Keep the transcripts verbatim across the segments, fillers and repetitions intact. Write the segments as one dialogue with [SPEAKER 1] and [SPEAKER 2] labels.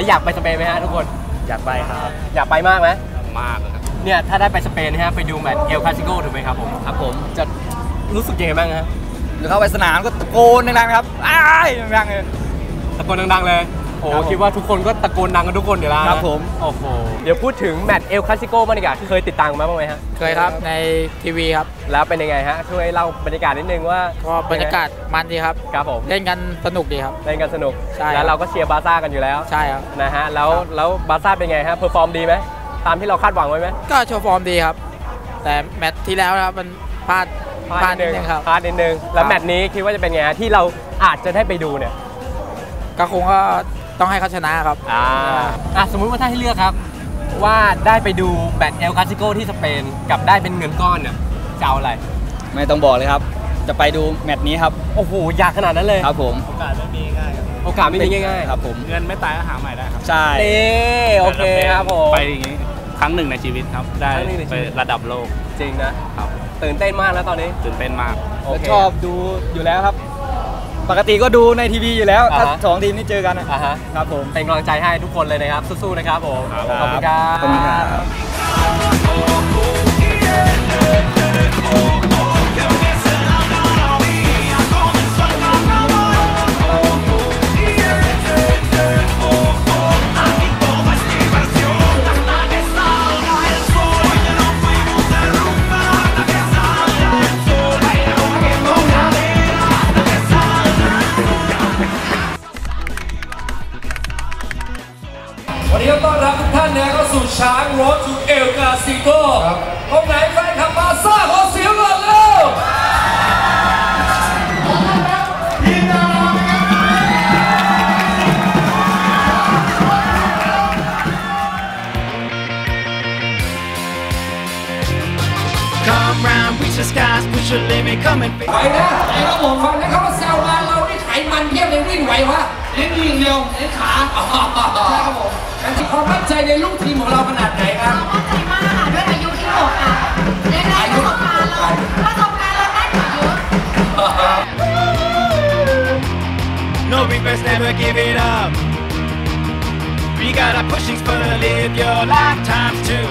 [SPEAKER 1] แล้วอยากไปสเปนไหมฮะทุกคน
[SPEAKER 2] อยากไปครับ
[SPEAKER 1] อยากไปมากไหม
[SPEAKER 2] มากครับ
[SPEAKER 1] เนี่ยถ้าได้ไปสเปนนะฮะไปดูแมตช์เอลคลาสิโกถูกไหมครับผม
[SPEAKER 2] ครับผม
[SPEAKER 1] จะรู้สึกยังไงบ้างฮะ
[SPEAKER 2] เดี๋ยวเข้าไปสนามก็ตะโกนดังๆครับอ้ายดังๆเลย
[SPEAKER 1] ตะโกนดังๆเลยโอ้คิดว่าทุกคนก็ตะโกนดังกันทุกคนอยู่แล้ว
[SPEAKER 2] ครับผม
[SPEAKER 1] โอ้โหเดี๋ยวพูดถึงแมตช์เอลคลาสิโกบ้างดีกว่าเคยติดตามมาบ้างไหมฮะ
[SPEAKER 3] เคยครับในทีวีครับ
[SPEAKER 1] แล้วเป็นยังไงฮะช่วยเล่าบรรยากาศนิดนึงว่า
[SPEAKER 3] ก็บรรยากาศมันดีครับ
[SPEAKER 1] ครับผม
[SPEAKER 3] เล่นกันสนุกดีครับ
[SPEAKER 1] เล่นกันสนุก
[SPEAKER 3] ใช่
[SPEAKER 1] แล้วเราก็เชียร์บาร์ซ่ากันอยู่แล้ว
[SPEAKER 3] ใช่ครับ
[SPEAKER 1] นะฮะแล้วแล้วบาร์ซ่าเป็นไงฮะเพอร์ฟอร์มดีไหมตามที่เราคาดหวังไว้ไหม
[SPEAKER 3] ก็โชว์ฟอร์มดีครับแต่แมตช์ที่แล้วนะครับมันพลาด
[SPEAKER 1] พลาดนิดนึงครับพลาดนิดนึงแล้วแมตช์นี้คิดว่าจะเป็นไงที่เราอาจจะได้ไปดูเนี่ย
[SPEAKER 3] ก็คงก็ต้องให้เขาชนะครับ
[SPEAKER 1] อ่าอ่ะสมมุติว่าถ้าให้เลือกครับว่าได้ไปดูแมตช์เอลคลาสิโกที่สเปนกับได้เป็นเงินก้อนเนี่ยจะเอาอะไร
[SPEAKER 2] ไม่ต้องบอกเลยครับจะไปดูแมตช์นี้ครับ
[SPEAKER 1] โอ้โหอยากขนาดนั้นเลย
[SPEAKER 2] ครับผม
[SPEAKER 3] โอกาสไม่มีง่ายครับ
[SPEAKER 1] โอกาสไม่มีง่าย
[SPEAKER 2] ๆครับผม
[SPEAKER 3] เงินไม่ตายก็หาใหม่ได้ครับ
[SPEAKER 2] ใช่
[SPEAKER 1] นี่โอเคครับผม
[SPEAKER 3] ไปอย่างนี้ครั้งหนึ่งในชีวิตครับได้ไประดับโลก
[SPEAKER 1] จริงนะครับตื่นเต้นมากแล้วตอนนี้
[SPEAKER 3] ตื่นเต้นมาก
[SPEAKER 2] ชอบดูอยู่แล้วครับปกติก็ดูในทีวีอยู่แล้วถ้าสองทีมนี้เจอกันนะครับผม
[SPEAKER 1] เป็นกำลังใจให้ทุกคนเลยนะครับสู้ๆนะครับผมขอบคุณครับ
[SPEAKER 2] ขอบคุณครับ
[SPEAKER 4] วันนี้ต้อนรับทุกท่านนะเข้าสู่ช้างโรดทูเอลคลาสิโกตรงไหนแฟนคลับบาร์ซ่าขอเสียงก่อนเร็วทีมดารานะครับ Come round reach the skies push your limit come and ไปนะไอ้ครับผมฟังนะเขาว่าแซวมาเรานี่ไขมันเทียบเลยวิ่งไหววะเล่นวิ่งเร็วเล่นขาใช่ครับผมการที่ความมั่นใจในลูกทีมของเราขนาดไหนครับ
[SPEAKER 5] มั่นใจมากค่ะด้วยอายุที่หกอ่ะได้ได้ประสบการณ์เราประสบการณ์เราได้กว่าเยอะ
[SPEAKER 6] No regrets never give it up We got our pushings for to live your lifetimes too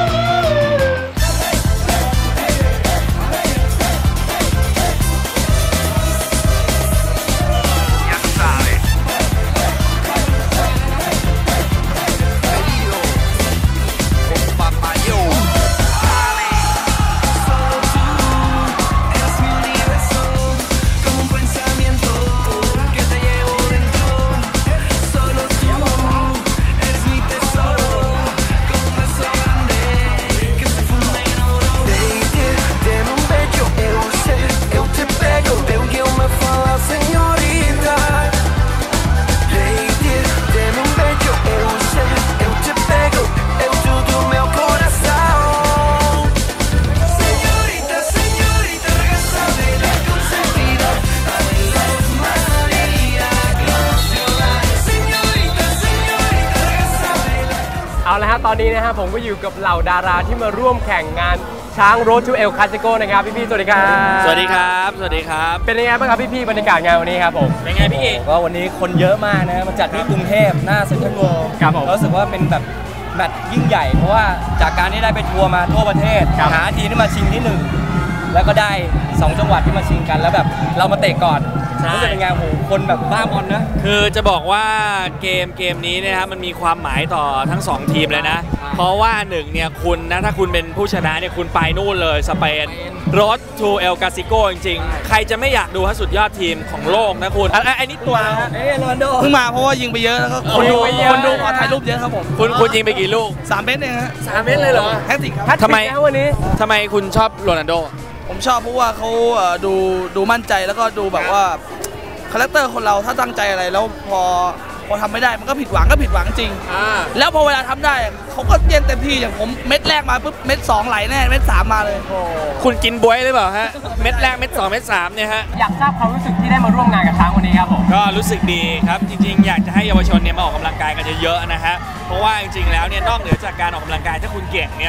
[SPEAKER 1] เอาละฮะตอนนี้นะฮะผมก็อยู่กับเหล่าดาราที่มาร่วมแข่งงานช้างโรดทูเอลคลาสิโกนะครับพี่ๆสวัสดีครับ
[SPEAKER 3] สวัสดีครับสวัสดีครับ
[SPEAKER 1] เป็นยังไงบ้างครับพี่ๆบรรยากาศงานวันนี้ครับผม
[SPEAKER 3] เป็นไงพี่
[SPEAKER 2] ก็วันนี้คนเยอะมากนะมาจัดที่กรุงเทพหน้าเซ็นทรัลเวิลด์
[SPEAKER 1] ครับผม
[SPEAKER 2] รู้สึกว่าเป็นแบบแมตช์ยิ่งใหญ่เพราะว่าจากการที่ได้ไปทัวร์มาทั่วประเทศหาทีมที่มาชิงที่หนึ่งแล้วก็ได้สองจังหวัดที่มาชิงกันแล้วแบบเรามาเตะก่อนรู้สึกเป็นไงโหคนแบบบ้าบอลนะ
[SPEAKER 3] คือจะบอกว่าเกมเกมนี้นะครับมันมีความหมายต่อทั้งสองทีมเลยนะเพราะว่าหนึ่งเนี่ยคุณนะถ้าคุณเป็นผู้ชนะเนี่ยคุณไปนู่นเลยสเปนโรดทูเอลคลาสิโกจริงๆใครจะไม่อยากดูฮะสุดยอดทีมของโลกนะคุณไอ้นี่ตัวนะฮะ
[SPEAKER 2] เอ้โรนัลโด
[SPEAKER 3] เพิ่งมาเพราะว่ายิงไปเยอะแล้วก็คนดูคนดูขอถ่ายรูปเยอะครับผมคุณคุณยิงไปกี่ลูก
[SPEAKER 2] สามเมตรเองฮะ
[SPEAKER 1] สามเมตรเลยเหรอ
[SPEAKER 2] แฮตติกครับ
[SPEAKER 3] ทำไม
[SPEAKER 1] วันนี้
[SPEAKER 3] ทำไมคุณชอบโรนัลโด
[SPEAKER 2] ผมชอบเพราะว่าเขาดูดูมั่นใจแล้วก็ดูแบบว่าคาแรคเตอร์คนเราถ้าตั้งใจอะไรแล้วพอพอทำไม่ได้มันก็ผิดหวังก็ผิดหวังจริงแล้วพอเวลาทำได้เขาก็เย็นเต็มที่อย่างผมเม็ดแรกมาปุ๊บเม็ดสองไหลแน่เม็ดสามมาเลย
[SPEAKER 3] คุณกินบวยหรือเปล่าฮะเม็ดแรกเม็ดสองเม็ดสามเนี่ยฮะ
[SPEAKER 1] อยากทราบความรู้สึกที่ได้มาร่วมงานกับช้างวันนี้ครับผม
[SPEAKER 3] ก็รู้สึกดีครับจริงๆอยากจะให้เยาวชนเนี่ยมาออกกำลังกายกันเยอะๆนะฮะเพราะว่าจริงๆแล้วเนี่ยนอกเหนือจากการออกกำลังกายถ้าคุณเก่งเนี่ย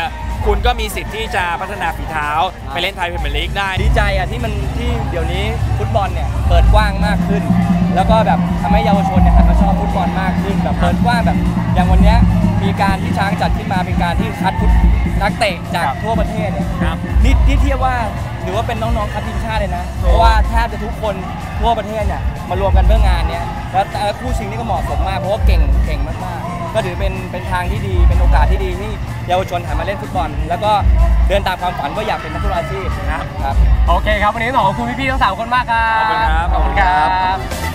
[SPEAKER 3] คุณก็มีสิทธิ์ที่จะพัฒนาฝีเท้าไปเล่นไทยพรีเมียร์ลีกได้
[SPEAKER 7] ดีใจอ่ะที่มันที่เดี๋ยวนี้ฟุตบอลเนี่ยเปิดกว้างมากขึ้น แล้วก็แบบทำให้เยาวชนเนี่ยหันมาชอบฟุตบอลมากขึ้นแบบเปิดกว้างแบบอย่างวันเนี้ยมีการที่ช้างจัดขึ้นมาเป็นการที่คัดฟุตนักเตะจากทั่วประเทศเนี่ยนี่ที่เทียบว่าหรือว่าเป็นน้องๆคัดทีมชาติเลยนะเพราะว่าแทบจะทุกคนทั่วประเทศเนี่ยมารวมกันเพื่องานเนี้ยแล้วแต่คู่ชิงนี่ก็เหมาะสมมากเพราะว่าเก่งเก่งมากๆก็ถือเป็นเป็นทางที่ดีเป็นโอกาสที่ดีที่เยาวชนหันมาเล่นฟุตบอลแล้วก็เดินตามความฝันว่าอยากเป็นนักฟุตบอลอาชีพนะครับ
[SPEAKER 1] โอเคครับวันนี้ขอบคุณพี่ๆทั้งสามคนมากครับ
[SPEAKER 3] ขอบคุณครับ
[SPEAKER 1] ขอบคุณครับ